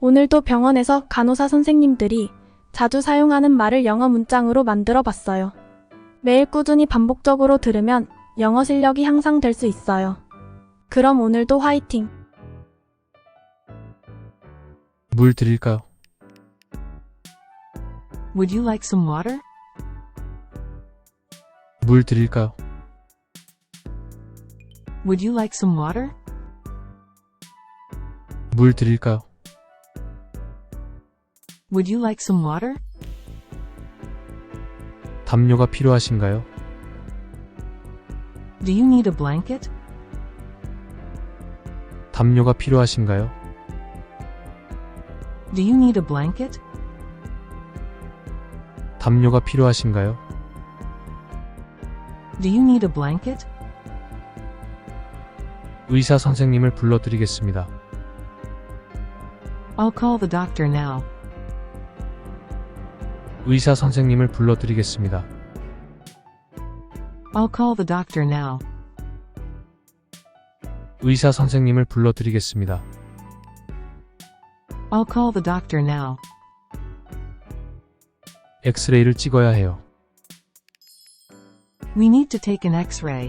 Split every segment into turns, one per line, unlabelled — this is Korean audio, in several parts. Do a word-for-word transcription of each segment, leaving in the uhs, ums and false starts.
오늘도 병원에서 간호사 선생님들이 자주 사용하는 말을 영어 문장으로 만들어 봤어요. 매일 꾸준히 반복적으로 들으면 영어 실력이 향상될 수 있어요. 그럼 오늘도 화이팅!
물 드릴까요?
Would you like some water?
물 드릴까요?
Would you like some water?
물 드릴까요?
Would you like some water?
담요가 필요하신가요?
Do you need a blanket?
담요가 필요하신가요?
Do you need a blanket?
담요가 필요하신가요?
Do you need a blanket?
의사 선생님을 불러드리겠습니다.
I'll call the doctor now.
의사 선생님을 불러드리겠습니다.
I'll call the doctor now.
의사 선생님을 불러드리겠습니다.
I'll call the doctor now.
엑스레이를 찍어야 해요.
We need to take an X-ray.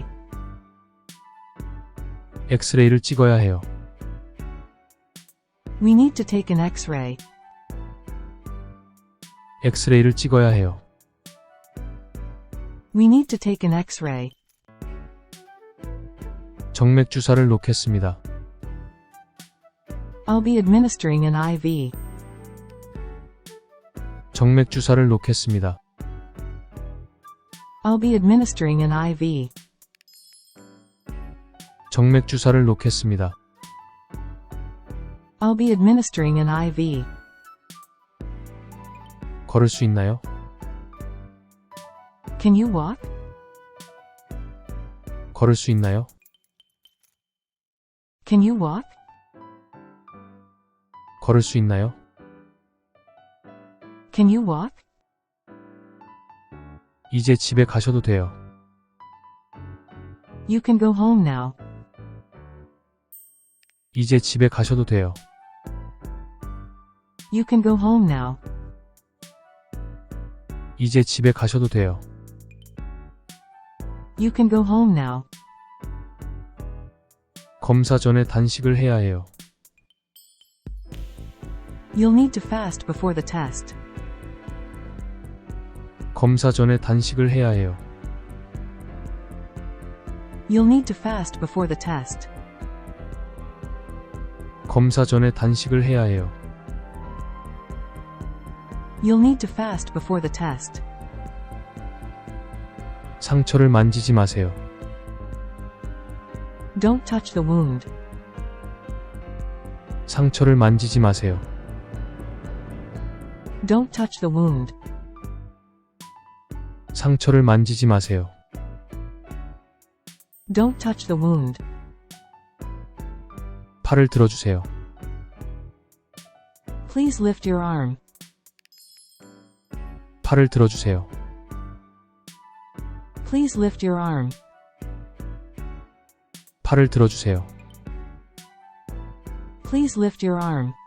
엑스레이를 찍어야 해요.
We need to take an X-ray.
엑스레이를 찍어야 해요.
We need to take an X-ray.
정맥 주사를 놓겠습니다.
I'll be administering an 아이브이.
정맥 주사를 놓겠습니다.
I'll be administering an 아이브이.
정맥 주사를 놓겠습니다.
I'll be administering an 아이브이.
걸을 수 있나요?
Can you walk?
걸을 수 있나요?
Can you walk?
걸을 수 있나요?
Can you walk?
이제 집에 가셔도 돼요.
You can go home now.
이제 집에 가셔도 돼요.
You can go home now.
이제 집에 가셔도 돼요.
You can go home now.
검사 전에 단식을 해야 해요.
You'll need to fast before the test.
검사 전에 단식을 해야 해요.
You'll need to fast before the test.
검사 전에 단식을 해야 해요.
You'll need to fast before the test.
상처를 만지지 마세요.
Don't touch the wound.
상처를 만지지 마세요.
Don't touch the wound.
상처를 만지지 마세요.
Don't touch the wound.
팔을 들어주세요.
Please lift your arm.
팔을 들어주세요.
Please lift your arm.
팔을 들어주세요.
Please lift your arm.